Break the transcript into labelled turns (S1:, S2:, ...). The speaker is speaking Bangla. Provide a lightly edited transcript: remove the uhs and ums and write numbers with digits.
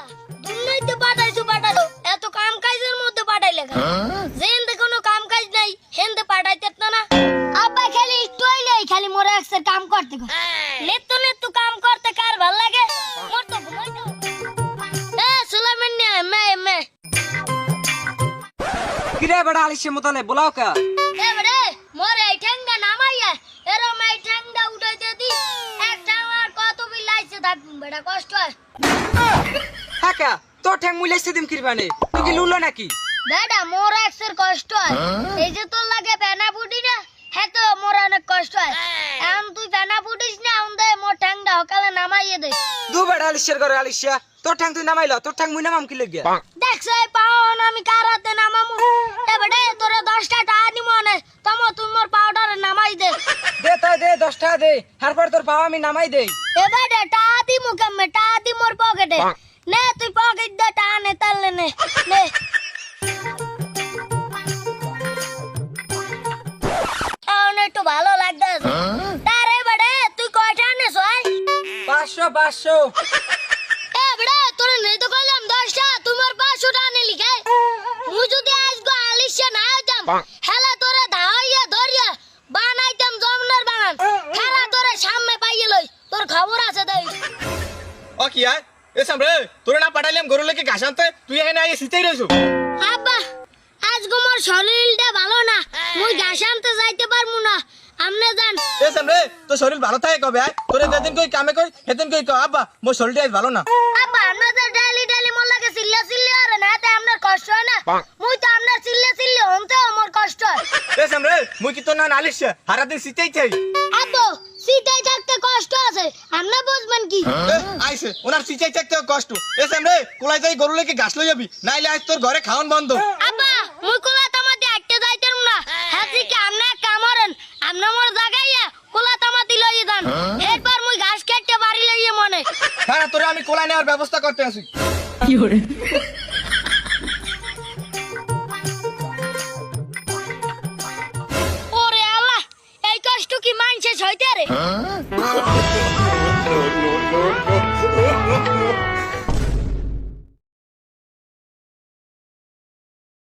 S1: দুনিয়াতে পাঠাইছো পাঠালো এত কাম কাজের মধ্যে পাঠাইলে কেন যেনতে কোনো কাম কাজ নাই হেনতে পাঠাইতে না আব্বা খালি একটু হইলেই খালি মোরে এক্সের কাম করতে কয় নেত্য নেত্য কাম করতে কার ভাল লাগে মোর তো ঘুমাইতে এ সুলাইমান নে মে
S2: কিরে বড় আলিশে মতলে বলাও কা
S1: এ বড়ে মোরে এই ঠ্যাংটা নামাইয়া এরো মাই ঠ্যাংটা উঠাইতে দি একটা আর কত বিলাইছে থাকবি বেটা কষ্ট হয়
S2: হ্যাঁ কা তোর ঠ্যাং মুইলাইছে দিম কিরবানে তুই কি লুলো নাকি
S1: বেটা মোর এক্সের কষ্ট হয় এই যে তোর লাগে ফেনা ফুটি না হ্যাঁ তো মোর অনেক কষ্ট হয় এখন তুই ফেনা ফুটিস না দে মোর ঠ্যাংটা সকালে নামাইয়ে দে
S2: দু বড় আলিশের ঘরে আলিশা তোর ঠ্যাং তুই নামাইলা তোর ঠ্যাং মুই নামাম কি লাগিয়া
S1: দেখছ এই পাওন আমি কারাতে নামামু এ বেটা তোরে 10টা টাকা দিমু নে তম তুই মোর পাউডারে নামাই দে
S2: দে 10 টাকা দে তারপর তোর পাওয়া আমি নামাই দেই
S1: এ বেটা টাকা দিমু কেমনে টাকা দি মোর পকেটে নে তুই পকেট দে টাকা নে তাহলে নে নে তাহলে একটু ভালো লাগতেছে তারে বেটা তুই কয়টা আনিস ভাই
S2: 500
S1: এ বেটা তোর নেই তো কইলাম 10টা তোমার 500 টাকা নিলি কে মুই যদি আজগো আলিশা না হইতাম হেলা তোরে ধাইয়া ধরিয়া বানাইতাম জমনার বানান হেলা তোরে সামনে পাইয়ে লই তোর খবর আছে দেই
S3: ও কি আয় এ সামরে তোরে না পাঠাইলাম গরু লেকে ঘাস আনতে তুই এখানে আইয়ে সিতেই রইছো
S1: আব্বা আজগো মোর শরীরটা ভালো না মুই ঘাস আনতে যাইতে পারমু না আমনে জান
S3: এ সামরে তোর শরীর ভালো থাকে কবে আয় তোরে যেদিন কই কামে কই সেদিন কই আব্বা মোর শরীরটা আজ ভালো না
S1: আব্বা আমরা তো ডেলি মোর লাগে চিল্লা চিল্লি আর না তে আমনের কষ্ট হয় না মুই তো আমনের চিল্লা চিল্লি হনতে মোর কষ্ট হয়
S3: এ সামরে মুই কি তোর না নালিশ হারা দিন সিতেই চাই
S1: আব্বু সিটাই থাকতে কষ্ট আছে আমনে বুঝবেন কি
S3: আইছে ওনার সিচাই থাকতে কষ্ট এ সামরে কোলাই যাই গরু লেকে ঘাস লই যাবি নাইলে আজ তোর ঘরে খাওন বন্ধ
S1: আব্বা মুই কোলা তামাতে আটতে যাইতাম না হাসি কি আমনে কামরেন আমনে মোর জাগাইয়া কোলা তামাতি লইয়ে যান এরপর মুই ঘাস কেটে বাড়ি লইয়ে মনে
S3: হ্যাঁ তোরে আমি কোলাই নেওয়ার ব্যবস্থা করতে আসি
S1: ওরে আল্লাহ এই কষ্ট কি মানছে সইতে রে